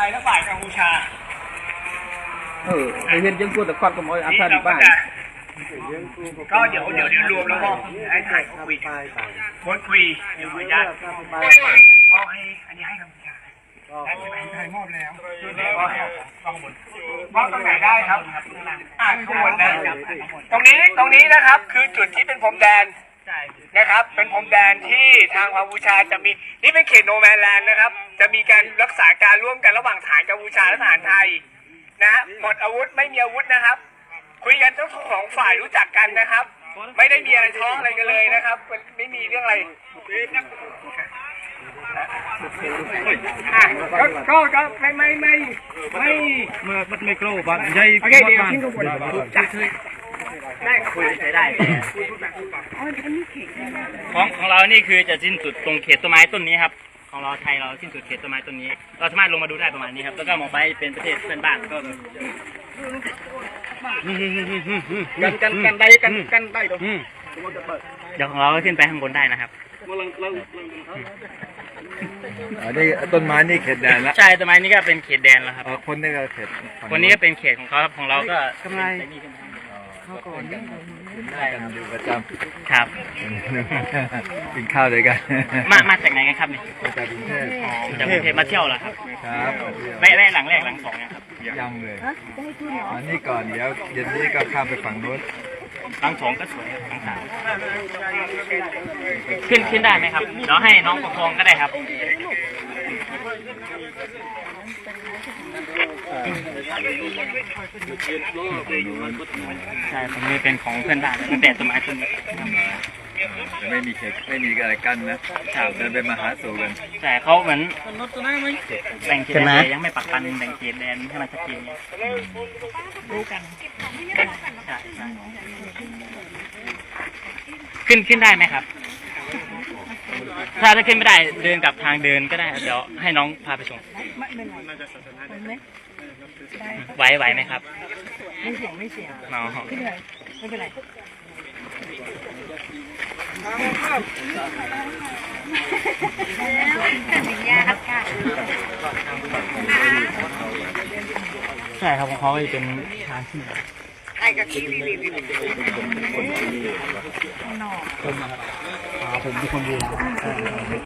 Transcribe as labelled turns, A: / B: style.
A: ยและฝ่ายกัมพูชา
B: ไอเห็นยังกลัวแต่ควันก็มอยอาซาดีบ้าง
A: ก็เดี๋ยวรวมแล้วก็ให้ถ่ายเขาคุยคุยเดี๋ยวขออนุญาตมอบให้อันนี้ให้กัมพูชาไทยมอบแล้วมอบตรงไหนได้ครับข้างบนนะตรงนี้นะครับคือจุดที่เป็นพรมแดนนะครับเป็นพรมแดนที่ทางกัมพูชาจะมีนี่เป็นเขตโนแมนแลนด์นะครับจะมีการรักษาการร่วมกันระหว่างฐานกัมพูชาและฐานไทยนะฮะหมดอาวุธไม่มีอาวุธนะครับคุยกันทั้งสองฝ่ายรู้จักกันนะครับไม่ได้มีอะไรท้องอะไรกันเลยนะครับไม่มีเรื่องอะไรก็ไม่เมื่อมันไม่กลัวบ้านใหญ่โอเคเดี๋ยวทิ้งข้างบนจัดเลยได้คุยใช้ได้
C: ของเรานี่คือจะสิ้นสุดตรงเขตต้นไม้ต้นนี้ครับของเราไทยเราสิ้นสุดเขตต้นไม้ต้นนี้เราสามารถลงมาดูได้ประมาณนี้ครับแล้วก็มองไปเป็นประเทศเพื่อนบ้านก็
A: กันได้ตรง
C: เดี๋ยวของเราขึ้นไปข้างบนได้นะครับ
B: นี่ต้นไม้นี่เขตแดนแล้ว
C: ใช่ต้นไม้นี่ก็เป็นเขตแดนแล้วครับ
B: คนนี้ก็เขต
C: คนนี้ก็เป็นเขตของเขาครับของเราก็
B: กำไรข้าวก่อนได้กันอยู่ประจ
C: ำครับ
B: กินข้าวด้วยกัน
C: มาจากไหนกันครับนี่
B: จากกรุงเทพ
C: จากกรุงเทพมาเที่ยวเหรอครับ
B: ครับ
C: แวะหลังแรกหลังสองเนี่ยครับ
B: ยังเลยอันนี้ก่อนเดี๋ยวเย็นนี้ก็ข้ามไปฝั่งนู้น
C: หลังสองก็สวยหลังสามขึ้นได้ไหมครับเดี๋ยวให้น้องประคองก็ได้ครับใช่ผมนี่เป็นของเพื่อนบ้านตั้งแต่ต้นไม้ต้นนี้
B: ไม่มีเขตไม่มีอะไรกันนะเดินไปมาหาสู่กัน
C: ใช่เขาเหมือนแบ่งเขตแดนยังไม่ปักปันแบ่งเขตแดนให้มันชัดเจนรู้กันขึ้นได้ไหมครับถ้าขึ้นไม่ได้เดินกับทางเดินก็ได้เดี๋ยวให้น้องพาไปส่งไหวไหมครับ
D: ไม่เสียง
C: น้อง
D: ขึ้นเลยไม่เป็นไร
C: ใช่ครับของเขาจะเป็นทางที่
D: ไอ้กับที่ลี
C: ผมเป็นคนดู